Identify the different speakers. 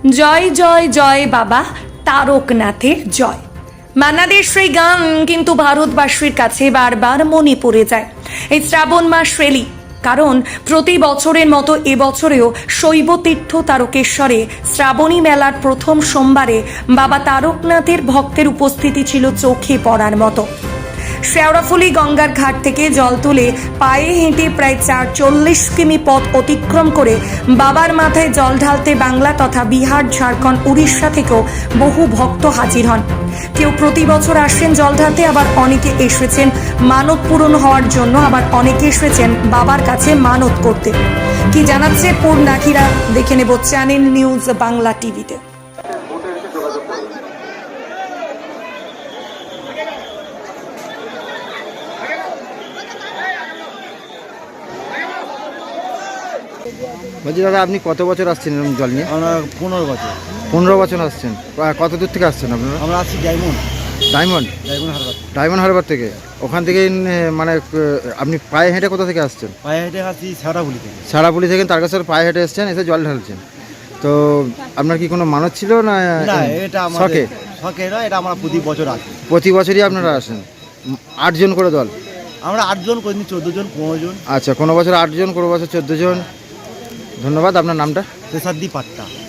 Speaker 1: জয় জয় জয় বাবা তারকনাথের জয়। বাংলাদেশ সেই গান কিন্তু ভারতবাসীর কাছে বারবার মনে পড়ে যায়। এই শ্রাবণ মাস রেলি, কারণ প্রতি বছরের মতো এবছরেও শৈবতীর্থ তারকেশ্বরে শ্রাবণী মেলার প্রথম সোমবারে বাবা তারকনাথের ভক্তের উপস্থিতি ছিল চোখে পড়ার মতো। শেওড়াফুলি গঙ্গার ঘাট থেকে জল তুলে পায়ে হেঁটে প্রায় ৪৪ কিমি পথ অতিক্রম করে বাবার মাথায় জল ঢালতে বাংলা তথা বিহার, ঝাড়খণ্ড, উড়িষ্যা থেকেও বহু ভক্ত হাজির হন। কেউ প্রতি বছর আসেন জল ঢালতে, আবার অনেকে এসেছেন মানত পূরণ হওয়ার জন্য, আবার অনেকে এসেছেন বাবার কাছে মানত করতে। কি জানাচ্ছে পূর্ণাখিরা, দেখে নেব চ্যানেল নিউজ বাংলা টিভিতে।
Speaker 2: বলছি দাদা, আপনি কত বছর আসছেন এরকম জল নিয়ে?
Speaker 3: আমরা 15 বছর।
Speaker 2: 15 বছর আসছেন। কত দূর থেকে আসছেন আপনারা?
Speaker 3: আমরা আসছি ডায়মন্ড হারবার।
Speaker 2: ডায়মন্ড হারবার থেকে? ওখান থেকে মানে আপনি পায়ে হেঁটে কোথা থেকে আসছেন?
Speaker 3: পায়ে হেঁটে আসছি শেওড়াফুলি থেকে।
Speaker 2: শেওড়াফুলি থেকে তারকেশ্বর পায়ে হেঁটে এসছেন, এসে জল ঢালছেন। তো আপনার কি কোনো মানত ছিল না?
Speaker 3: না, এটা আমাদের শখে নয়, এটা আমরা প্রতি বছর আসি।
Speaker 2: প্রতি বছরই আপনারা আসেন? 8 জন করে দল?
Speaker 3: আমরা 8 জন, কোনদিন 14 জন, 15 জন।
Speaker 2: আচ্ছা, কোনো বছর 8 জন, কোনো বছর 14 জন। ধন্যবাদ। আপনার নামটা?
Speaker 3: তেসাদ্দি পাট্টা।